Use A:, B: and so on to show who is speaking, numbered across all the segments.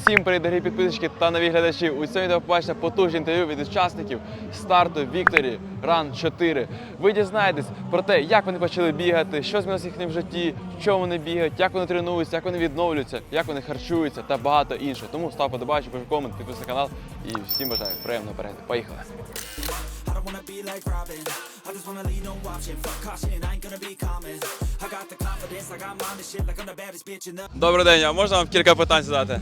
A: Всім привіт, дорогі підписчики та нові глядачі. У цьому відео побачите потужні інтерв'ю від учасників старту Victory Run 4. Ви дізнаєтесь про те, як вони почали бігати, що змінилося в їхньому житті, в чому вони бігають, як вони тренуються, як вони відновлюються, як вони харчуються та багато іншого. Тому став подобаючи, пиши комент, підписуйся на канал і всім бажаю приємного перегляду. Поїхали! Добрий день, а можна вам кілька питань задати?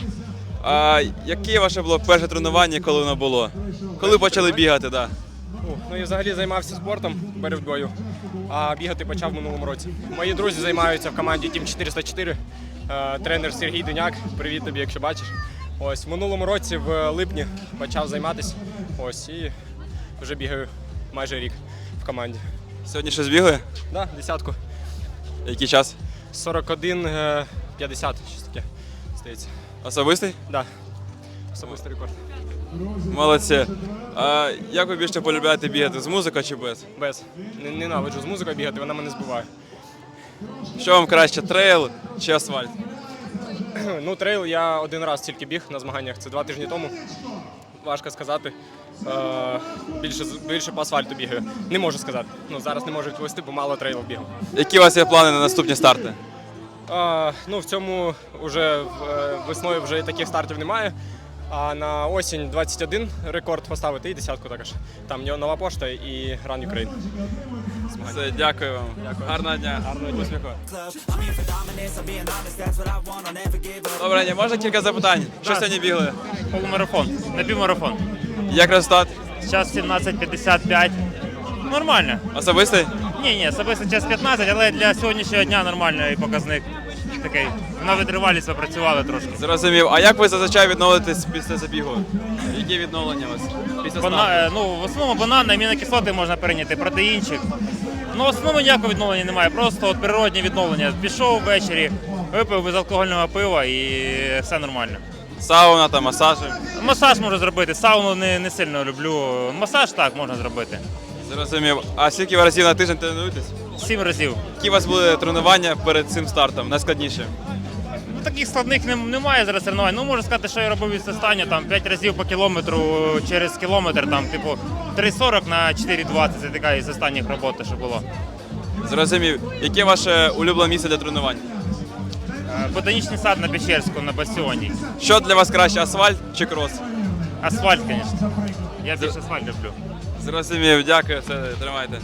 A: Яке ваше було перше тренування, коли воно було? Коли почали бігати, так?
B: Ну і взагалі займався спортом боротьбою, а бігати почав в минулому році. Мої друзі займаються в команді Team 404, тренер Сергій Дуняк, привіт тобі, якщо бачиш. Ось, в минулому році, в липні, почав займатися, ось, і вже бігаю майже рік в команді.
A: Сьогодні щось бігли?
B: Да, десятку.
A: Який час?
B: 41-50, щось таке, здається.
A: Особистий?
B: Да, особистий рекорд.
A: Молодці. А як ви більше полюбляєте бігати, з музикою чи без?
B: Без. Ненавиджу з музикою бігати, вона мене збиває.
A: Що вам краще, трейл чи асфальт?
B: Ну, трейл я один раз тільки біг на змаганнях, це 2 тижні тому. Важко сказати. Більше по асфальту бігаю. Не можу сказати. Ну, зараз не можу відповісти, бо мало трейлів бігав.
A: Які у вас є плани на наступні старти?
B: Ну, в цьому вже весною вже таких стартів немає. А на осінь 21 рекорд поставити і десятку також. Там нова пошта і Run Ukraine.
A: Все, дякую вам.
B: Дякую.
A: Гарного дня. Успіху. Добре, дня. Можна кілька запитань? Що сьогодні бігли?
C: Полумарафон, напівмарафон.
A: Як результат?
C: Час 17:55. Нормально.
A: Особистий?
C: Ні, особисто час 15, але для сьогоднішнього дня нормальний показник. Такий. На витривалість попрацювали трошки.
A: Зрозумів. А як ви зазвичай відновитесь після забігу? Які відновлення у вас після старту?
C: Ну, в основному банани, амінокислоти можна перейняти, протеїнчик. Ну, в основному ніякого відновлення немає, просто от природні відновлення. Пішов ввечері, випив безалкогольного пива і все нормально.
A: Сауна та масажі?
C: Масаж можу зробити, сауну не сильно люблю. Масаж так можна зробити.
A: Зрозумів. А скільки ви разів на тиждень тренуєтесь?
C: 7 разів.
A: Які у вас були тренування перед цим стартом? Найскладніше?
C: Ну, таких складних немає зараз тренувань. Ну, можу сказати, що я робив від останнього, там 5 разів по кілометру через кілометр, там, типу, 3,40 на 4,20. Це така із останніх роботи, що було.
A: Зрозумів. Яке ваше улюблене місце для тренувань?
C: Ботанічний сад на Печерську, на Бастіоні.
A: Що для вас краще, асфальт чи крос?
C: Асфальт, звісно. Я більше асфальт люблю.
A: Зрозумів, дякую, все, тримайте.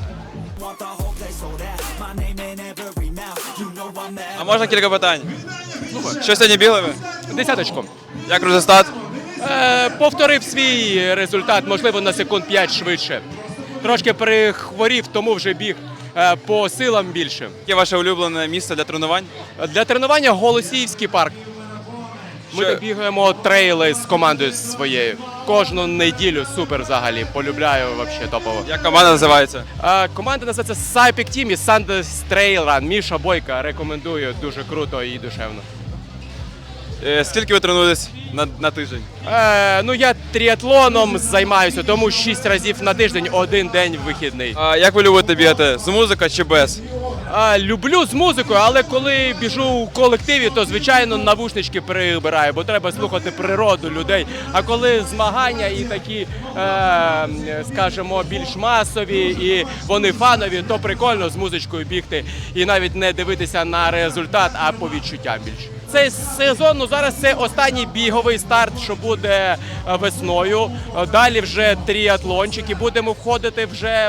A: А можна кілька питань? Що сьогодні бігли ви?
D: Десяточку.
A: Як результат?
D: Повторив свій результат, можливо, на секунд 5 швидше. Трошки перехворів, тому вже біг по силам більше.
A: Яке ваше улюблене місце для тренувань?
D: Для тренування Голосіївський парк. Ми
A: Що-
D: так бігаємо трейли з командою своєю. Кожну неділю супер взагалі. Полюбляю взагалі топово.
A: Як команда називається?
D: Команда називається Cypic Team і Sundays Trail Run. Міша Бойка рекомендую, дуже круто і душевно.
A: Скільки ви тренуєтесь на тиждень?
D: Ну я тріатлоном займаюся, тому 6 разів на тиждень, 1 день вихідний.
A: А як ви любите бігати? З музикою чи без?
D: Люблю з музикою, але коли біжу у колективі, то, звичайно, навушнички прибираю, бо треба слухати природу людей. А коли змагання і такі, скажімо, більш масові і вони фанові, то прикольно з музичкою бігти і навіть не дивитися на результат, а по відчуттям більше. Цей сезон, ну зараз це останній біговий старт, що буде весною. Далі вже тріатлончик і будемо входити вже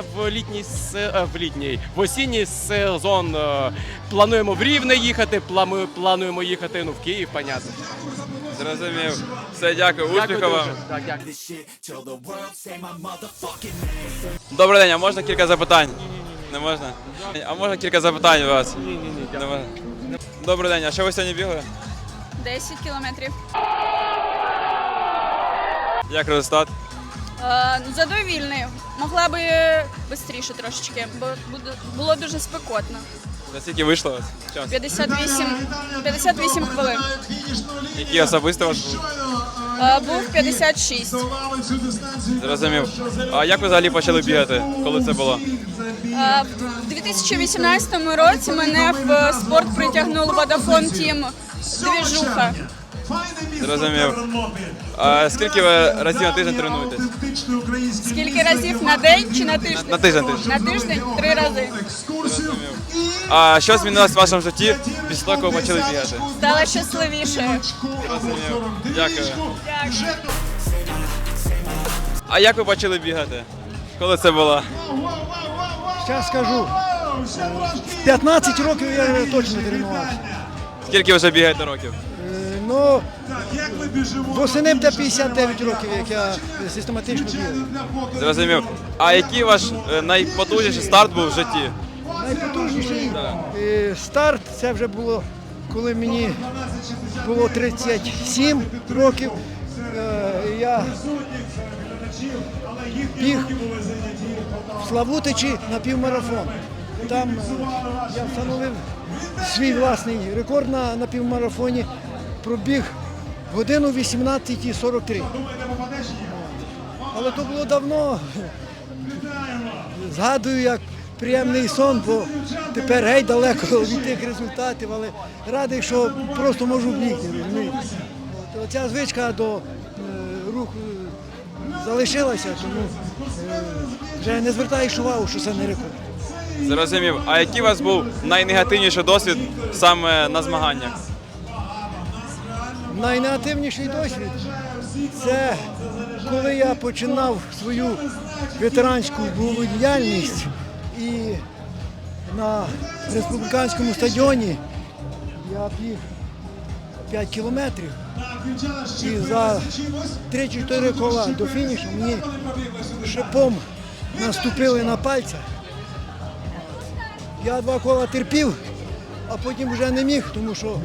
D: в осінній сезон. Плануємо в Рівне їхати, плануємо їхати в Київ, понятно.
A: Зрозумів. Все, дякую, успіху вам.
D: Так, дякую.
A: Добрий день, а можна кілька запитань? Не можна? А можна кілька запитань у вас?
D: Ні,
A: Не можна? Добрий день, а що ви сьогодні бігли?
E: 10 кілометрів.
A: Як результат?
E: Задовільний. Могла би швидше трошечки, бо було дуже спекотно.
A: За скільки вийшло у вас? Час?
E: 58 хвилин.
A: Який особистий ваш був?
E: Був 56.
A: Зрозумів. А як ви взагалі почали бігати? Коли це було?
E: В 2018 році мене в спорт притягнув Vodafone Team двіжуха.
A: Зрозумів. А скільки ви разів на тиждень тренуєтесь?
E: Скільки разів на день чи на тиждень?
A: На тиждень.
E: На тиждень 3 рази.
A: А що змінилось в вашому житті після того, коли ви почали бігати?
E: Стала щасливішою.
A: Зрозумів. Дякую.
E: Дякую.
A: А як ви почали бігати? Коли це було?
F: Зараз скажу. В 15 років я точно тренувався.
A: Скільки ви вже бігаєте років?
F: Ну, восени буде 59 років, як я систематично бігаю.
A: Зрозумів. А який ваш найпотужніший старт був в житті?
F: Найпотужніший старт це вже було, коли мені було 37 років. Я біг в Славутичі на півмарафон. Там я встановив свій власний рекорд на півмарафоні. Пробіг годину 18:43. Але то було давно. Згадую, як приємний сон, бо тепер геть далеко від тих результатів, але радий, що просто можу бігти, розумієте. Ця звичка до руху залишилася, тому вже не звертаєш увагу, що це не рекорд.
A: Зрозумів. А який у вас був найнегативніший досвід саме на змаганнях?
F: Найнегативніший досвід це коли я починав свою ветеранську бойову діяльність і на республіканському стадіоні я біг 5 кілометрів і за 3-4 кола до фінішу мені шипом наступили на пальця. Я 2 кола терпів, а потім вже не міг, тому що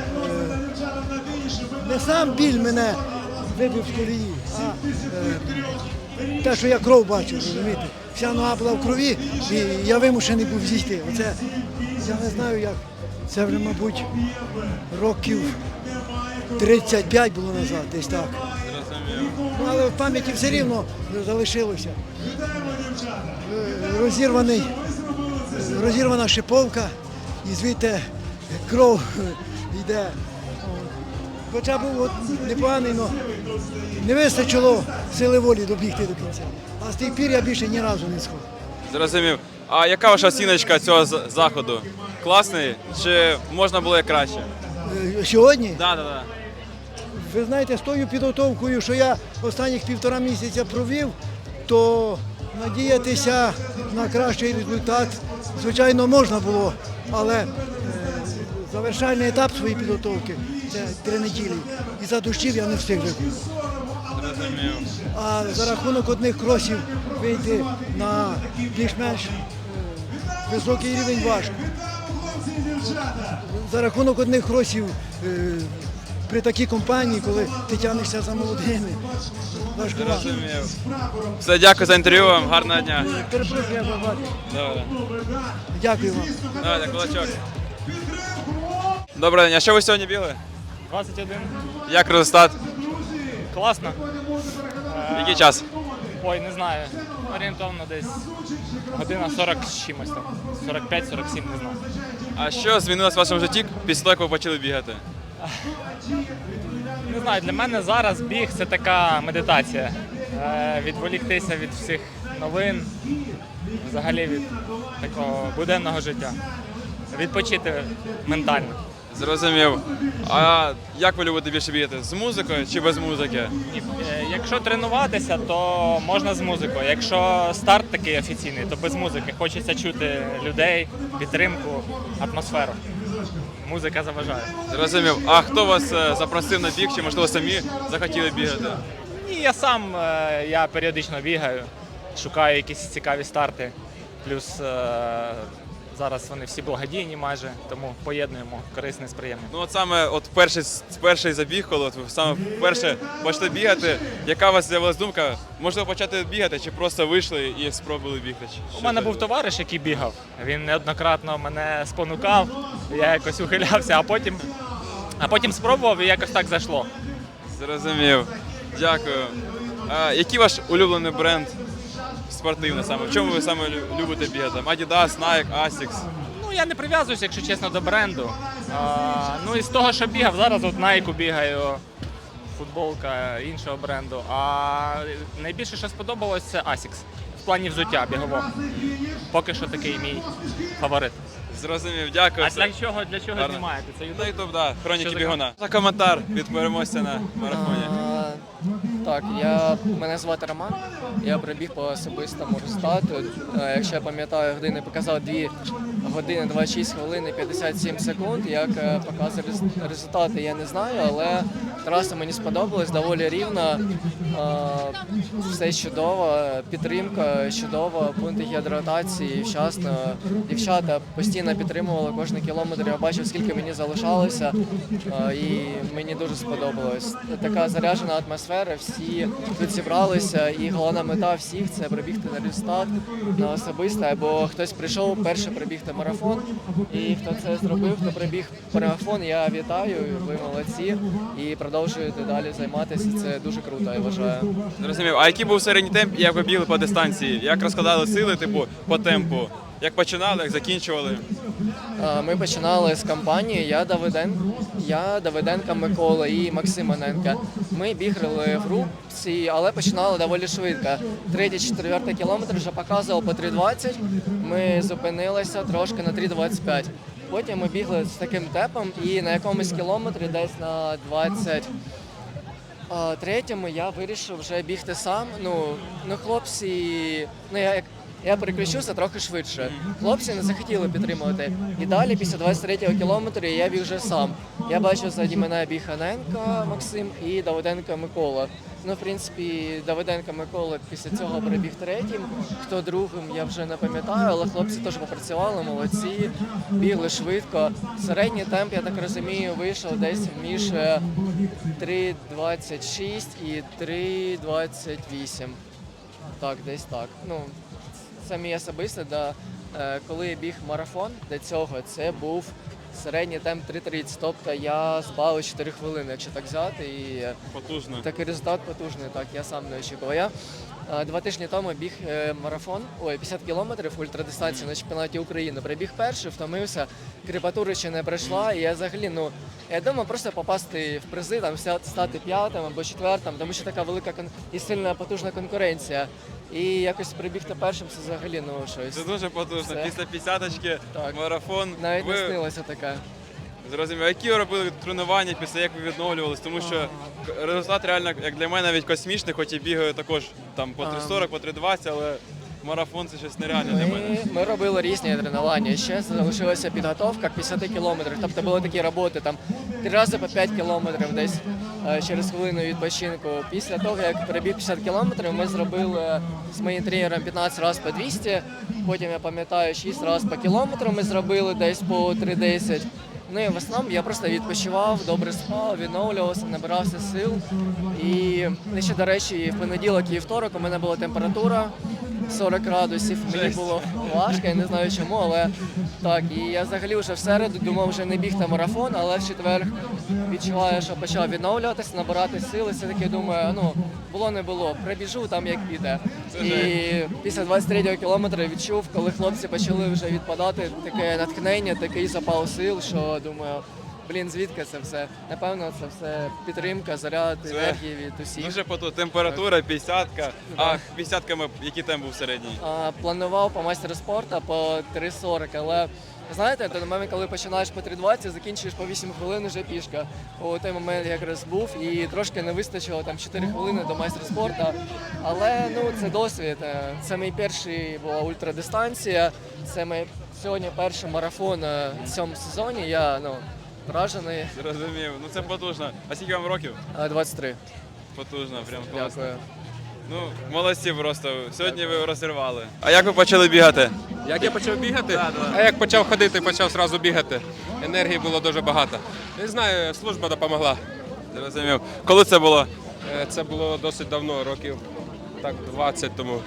F: не сам біль мене вибив з колії, а те, що я кров бачив, розумієте. Вся нога була в крові, і я вимушений був зійти. Оце, я не знаю як, це вже, мабуть, років 35 було назад, десь так. Ну, але в пам'яті все рівно залишилося. Розірвана шиповка, і звідти кров йде. Хоча був от непоганий, але не вистачило сили волі добігти до кінця. А з тих пір я більше ні разу не сходив.
A: Зрозумів. А яка ваша оціночка цього заходу? Класний чи можна було і краще?
F: Сьогодні,
A: Так.
F: ви знаєте, з тою підготовкою, що я останніх 1,5 місяця провів, то надіятися на кращий результат, звичайно, можна було, але завершальний етап своєї підготовки – це 3 неділі. І за дощів я не встиг вибігти. А за рахунок одних кросів вийти на більш-менш високий рівень важко. За рахунок одних кросів при такій компанії, коли ти тягнешся за молодими, важкувато.
A: Зрозумів. Все, дякую за інтерв'ю вам, гарного дня.
F: Перепрошую, я забагато.
A: Добре.
F: Дякую вам.
A: Давайте, кулачок. Добрий день, а що ви сьогодні бігли?
G: 21.
A: Як результат?
G: Класно.
A: Який час?
G: Ой, не знаю. Орієнтовно десь година 40 з чимось там. 45-47, не знаю.
A: А що змінилось в вашому житті після того, як ви почали бігати?
G: Не знаю, для мене зараз біг це така медитація. Відволіктися від всіх новин, взагалі від такого буденного життя. Відпочити ментально.
A: Зрозумів. А як ви любите більше бігати? З музикою чи без музики?
G: Якщо тренуватися, то можна з музикою. Якщо старт такий офіційний, то без музики. Хочеться чути людей, підтримку, атмосферу. Музика заважає.
A: Зрозумів. А хто вас запросив на біг, чи можливо самі захотіли бігати?
G: І я сам я періодично бігаю, шукаю якісь цікаві старти. Плюс зараз вони всі благодійні майже, тому поєднуємо корисне з приємним.
A: Ну от саме перший забіг, коли от ви саме вперше почали бігати, яка у вас з'явилась думка? Можливо почати бігати, чи просто вийшли і спробували бігти?
G: У мене був товариш, який бігав. Він неоднократно мене спонукав, я якось ухилявся, а потім спробував і якось так зайшло.
A: Зрозумів. Дякую. А який ваш улюблений бренд спортивний саме? В чому ви саме любите бігати? Adidas, Nike, Asics?
G: Ну, я не прив'язуюся, якщо чесно, до бренду. Ну і з того, що бігав, зараз от Nike бігаю, футболка іншого бренду. А найбільше, що сподобалось, це Asics. В плані взуття бігового. Поки що такий мій фаворит.
A: Зрозумів, дякую.
G: А для чого
A: Гарно.
G: знімаєте? Це
A: На
G: YouTube?
A: YouTube, да, хроніки
G: Що за
A: бігуна. За коментар від переможця на марафоні.
H: Так, мене звати Роман, я прибіг по особистому результату. Якщо я пам'ятаю, години показав 2 години 26 хвилин і 57 секунд. Як показує результати, я не знаю, але траса мені сподобалась, доволі рівна, все чудово, підтримка чудова, пункти гідратації вчасно. Дівчата постійно підтримували кожен кілометр, я бачив, скільки мені залишалося, і мені дуже сподобалось. Така заряджена атмосфера, всі тут зібралися, і головна мета всіх – це пробігти на результат, на особисте, або хтось прийшов перше пробігти марафон, і хто це зробив, хто пробіг марафон, я вітаю, ви молодці, і продовжуєте далі займатися, це дуже круто, я вважаю.
A: Зрозумів. А який був середній темп і як ви бігли по дистанції? Як розкладали сили, типу, по темпу? Як починали, як закінчували?
H: Ми починали з компанії, я Давиденко Микола і Максим Аненко. Ми бігали в групці, але починали доволі швидко. 3-4 кілометр вже показував по 3:20, ми зупинилися трошки на 3:25. Потім ми бігли з таким темпом і на якомусь кілометрі десь на 23-му я вирішив вже бігти сам. Хлопці, я переключився трохи швидше. Хлопці не захотіли підтримувати. І далі, після 23-го кілометру, я біг вже сам. Я бачив ззаді мене біг Аненко Максим і Давиденко Микола. В принципі, Давиденко Микола після цього перебіг третім. Хто другим, я вже не пам'ятаю, але хлопці теж попрацювали, молодці, бігли швидко. Середній темп, я так розумію, вийшов десь між 3:26 і 3:28. Так, десь так. Це мій особистий, коли я біг марафон до цього, це був середній темп 3:30, тобто я збавив 4 хвилини, якщо так взяти. І
A: Потужно.
H: такий результат потужний, так, я сам не очікував. Я 2 тижні тому біг марафон, 50 кілометрів ультрадистанцію на чемпіонаті України. Прибіг перший, втомився, кріпатура ще не пройшла, і я взагалі, я думав просто попасти в призи, стати 5-м або 4-м, тому що така велика і сильна потужна конкуренція. І якось прибігти першим, це взагалі, щось.
A: Це дуже потужно.
H: Все.
A: Після 50-очки марафон.
H: Навіть не снилося таке.
A: Зрозумів. А які ви робили тренування після як ви відновлювались? Тому що результат реально, як для мене, навіть космічний, хоч і бігаю також там по 3:40, по 3:20, але марафон це щось нереальне для мене.
H: Ми робили різні тренування. Ще залишилася підготовка к 50 кілометрів. Тобто були такі роботи, 3 рази по 5 кілометрів десь через хвилину відпочинку. Після того, як перебіг 50 кілометрів, ми зробили з моїм тренером 15 разів по 200, потім, я пам'ятаю, 6 разів по кілометру ми зробили десь по 3:10. І в основному я просто відпочивав, добре спав, відновлювався, набирався сил. І ще, до речі, в понеділок і вівторок у мене була температура 40 градусів. Мені було важко, я не знаю чому, але так. І я взагалі вже в середу думав вже не бігти марафон, але в четвер відчуваю, що почав відновлюватися, набирати сили. Все-таки думаю, було не було, прибіжу там як піде. І після 23-го кілометра відчув, коли хлопці почали вже відпадати, таке натхнення, такий запал сил, що думаю, звідки це все? Напевно, це все підтримка, заряд, енергії від усіх.
A: Дуже потужно. Температура 50-ка. А 50-ками який темп був середній?
H: Планував по майстеру спорту по 3:40, але знаєте, той момент, коли починаєш по 3:20, закінчуєш по 8 хвилин вже пішка. У той момент якраз був і трошки не вистачило 4 хвилини до майстра спорту. Але це досвід. Це мій перший була ультрадистанція. Це мій сьогодні перший марафон в цьому сезоні. Я вражений.
A: Зрозумів. Це потужно. А скільки вам років?
H: 23.
A: Потужно, прям класно.
H: Дякую.
A: Молодці просто. Сьогодні ви розірвали. А як ви почали бігати?
I: Як я почав бігати?
A: Да.
I: А як почав ходити, почав одразу бігати. Енергії було дуже багато. Не знаю, служба допомогла.
A: Зрозумів. Коли це було?
I: Це було досить давно, років 20 тому.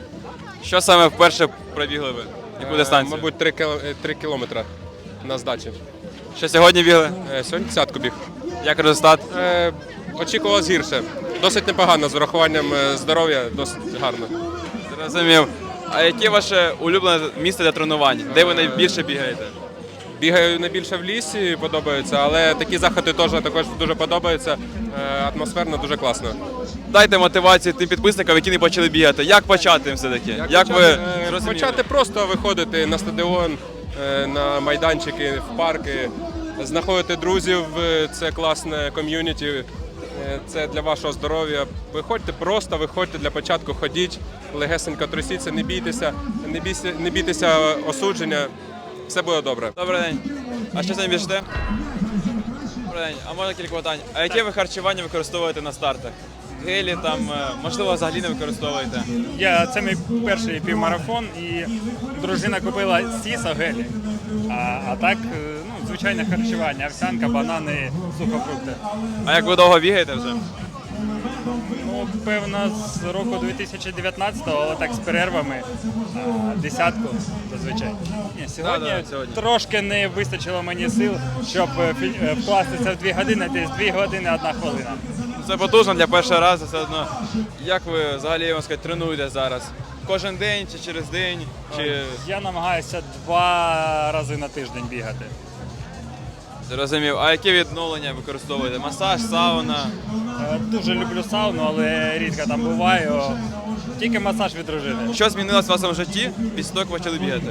A: Що саме вперше пробігли ви? Яку дистанцію?
I: Мабуть, 3 кілометри на здачі.
A: Що сьогодні бігли?
I: Сьогодні 10-ку біг.
A: Як результат?
I: Очікувалось гірше. Досить непогано, з урахуванням здоров'я, досить гарно.
A: Зрозумів. А яке ваше улюблене місце для тренувань? Де ви найбільше бігаєте?
I: Бігаю найбільше в лісі, подобається, але такі заходи теж також дуже подобаються. Атмосферно дуже класно.
A: Дайте мотивацію тим підписникам, які не почали бігати. Як почати все-таки? Як ви зрозуміли?
I: Почати просто виходити на стадіон, на майданчики, в парки, знаходити друзів, це класне ком'юніті, це для вашого здоров'я. Виходьте просто, виходьте для початку, ходіть, легесенько трусіться, не бійтеся осудження, все буде добре.
A: Добрий день. А що сьогодні біжите? Добрий день. А можна кілька питань? А яке ви харчування використовуєте на стартах? Гелі там, можливо, взагалі не використовуєте?
C: Це мій перший півмарафон, і дружина купила сісо гелі. А так, звичайне харчування, овсянка, банани, сухофрукти.
A: А як ви довго бігаєте вже?
C: Ну, певно, з року 2019-го, але так з перервами, десятку зазвичай. Ні, сьогодні трошки не вистачило мені сил, щоб вкластися в 2 години, десь 2 години, 1 хвилина.
A: Це потужно для першого разу все одно. Як ви взагалі, можна сказати, тренуєте зараз? Кожен день чи через день? Чи...
C: Я намагаюся 2 рази на тиждень бігати.
A: Зрозумів. А яке відновлення використовуєте? Масаж, сауна?
C: Дуже люблю сауну, але рідко там буваю. Тільки масаж від дружини.
A: Що змінилось в вашому житті після того, як ви почали бігати?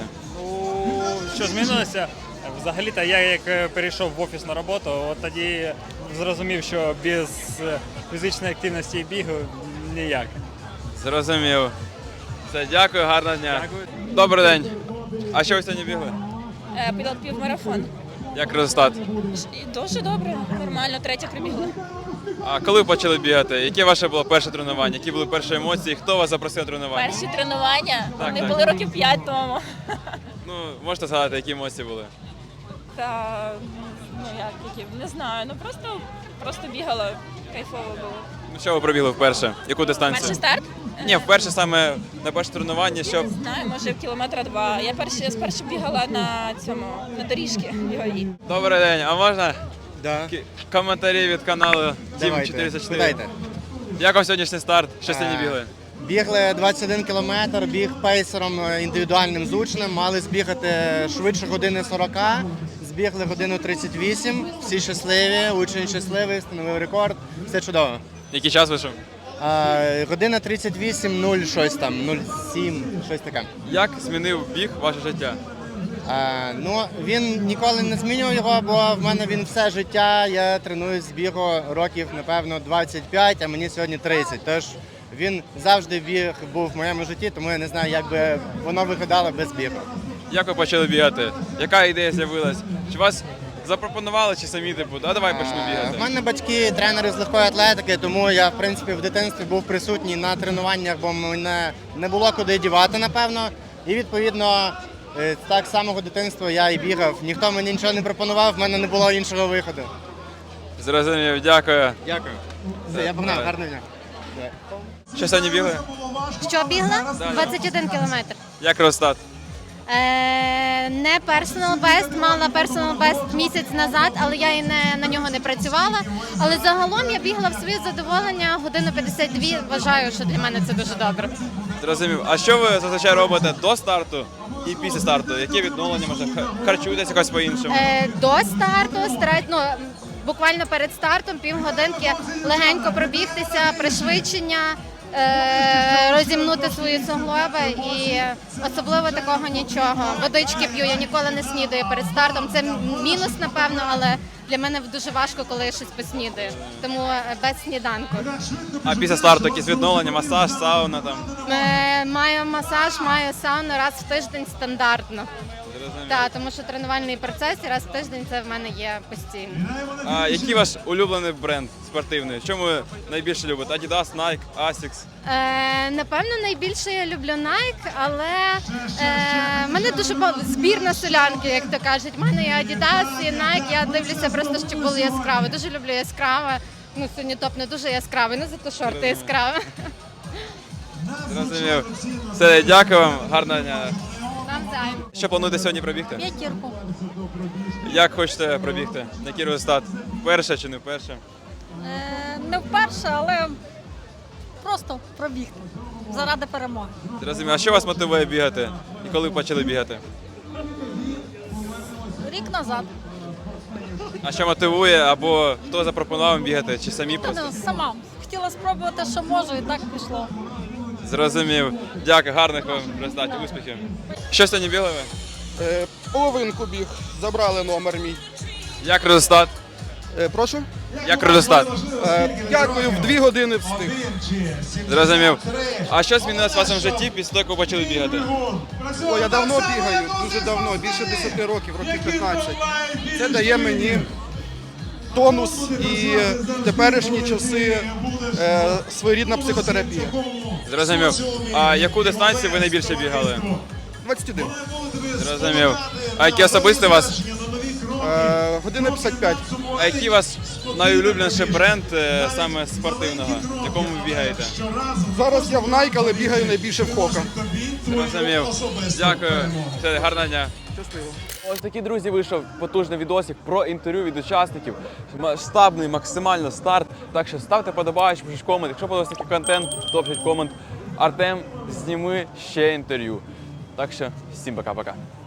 C: Що змінилося? Взагалі-то я як перейшов в офісну роботу, от тоді зрозумів, що без фізичної активності і бігу ніяк.
A: Зрозумів. Все, дякую, гарного дня.
C: Дякую.
A: Добрий день. А що ви сьогодні бігли?
E: Півмарафон.
A: Як результат?
E: Дуже добре, нормально, 3 прибігла.
A: А коли ви почали бігати? Яке ваше було перше тренування? Які були перші емоції? Хто вас запросив на тренування?
E: Перші тренування,
A: Так,
E: вони
A: так.
E: були років 5 тому.
A: Ну, можете згадати, які емоції були?
E: Та, які, не знаю, просто бігала, кайфово було.
A: Ну, що ви пробігли вперше? Яку дистанцію?
E: Перший старт?
A: Ні, вперше саме на перше тренування,
E: Не
A: щоб...
E: знаю, може 2 кілометри. Я спершу бігала на доріжки біговій.
A: Добрий день, а можна
J: Да.
A: коментарі від каналу Team
J: Давайте,
A: 404?
J: дайте.
A: Як вам сьогоднішній старт? Що сьогодні бігли?
J: Бігли 21 кілометр, біг пейсером індивідуальним з учнем, мали збігати швидше години 40, збігли годину 38, всі щасливі, учень щасливий, встановив рекорд, все чудово.
A: Який час вийшов?
J: Година 38, 0 щось там, 07, щось таке.
A: Як змінив біг ваше життя?
J: Він ніколи не змінював його, бо в мене він все життя, я тренуюсь з бігу років, напевно, 25, а мені сьогодні 30. Тож він завжди був в моєму житті, тому я не знаю, як би воно виглядало без бігу.
A: Як ви почали бігати? Яка ідея з'явилась? Чи вас запропонували, чи самі типу, давай почну
J: В
A: бігати?
J: мене батьки тренери з легкої атлетики, тому я, в принципі, в дитинстві був присутній на тренуваннях, бо мене не було куди дівати, напевно. І, відповідно, так з самого дитинства я і бігав. Ніхто мені нічого не пропонував, в мене не було іншого виходу.
A: Зрозумів, дякую.
J: Дякую. Все, я погнав, гарного дня.
A: Що сьогодні бігли?
K: Що бігла? 21 кілометр.
A: Як результат?
K: Не personal best, мала personal best місяць назад, але я і на нього не працювала. Але загалом я бігла в своє задоволення годину 52, вважаю, що для мене це дуже добре.
A: Зрозумів. А що ви зазвичай робите до старту і після старту? Які відновлення, може, харчуєтесь якось по-іншому?
K: До старту буквально перед стартом півгодинки легенько пробігтися, пришвидшення, розімнути свої суглоби і особливо такого нічого. Водички п'ю, я ніколи не снідаю перед стартом. Це мінус, напевно, але для мене дуже важко, коли я щось поснідаю. Тому без сніданку.
A: А після старту якісь відновлення, масаж, сауна там?
K: Маю масаж, маю сауну раз в тиждень стандартно. Так, тому що тренувальний процес і раз в тиждень це в мене є постійно.
A: А який ваш улюблений бренд спортивний? Чому ви найбільше любите? Adidas, Nike, Asics?
K: Напевно, найбільше я люблю Nike, але в мене дуже збірна солянки, як то кажуть. У мене є Adidas і Nike, я дивлюся просто, щоб було яскраво. Дуже люблю яскраве. Ну, сьогодні топ не дуже яскравий, ну зато шорти яскраві.
A: Зрозумів. Все, дякую вам, гарного дня.
K: Навзаєм.
A: Що плануєте сьогодні пробігти?
K: 5.
A: Як хочете пробігти? Який результат? Вперше чи не вперше?
E: Не вперше, але
L: просто пробігти заради перемоги.
A: Зрозумів. А що вас мотивує бігати? І коли почали бігати?
L: Рік назад.
A: А що мотивує? Або хто запропонував вам бігати? Чи самі просто?
L: Сама хотіла спробувати, що можу, і так пішло.
A: Зрозумів. Дякую, гарних вам результатів, успіхів. Що сьогодні бігали ви?
M: Половинку біг, забрали номер мій.
A: Як результат?
M: Прошу?
A: Як результат?
M: Дякую, в 2 години встиг.
A: Зрозумів. А що змінилось в вашому житті після того, як ви почали бігати?
M: О, я давно бігаю, дуже давно, більше 10 років, років 15. Це дає мені тонус і в теперішні часи своєрідна психотерапія.
A: Зрозумів. А яку дистанцію ви найбільше бігали?
M: 21.
A: Зрозумів. А який особистий у вас?
M: Година 55.
A: А який у вас найулюбленіший бренд саме спортивного, в якому ви бігаєте?
M: Зараз я в Nike, але бігаю найбільше в Хока.
A: Зрозумів. Дякую. Все, гарного дня.
M: Щасливо.
A: Ось такий, друзі, вийшов потужний відосик про інтерв'ю від учасників. Масштабний, максимально старт. Так що ставте подобаючи, пишіть комент. Якщо подобається такий контент, то пишіть комент. Артем, зніми ще інтерв'ю. Так що всім пока-пока.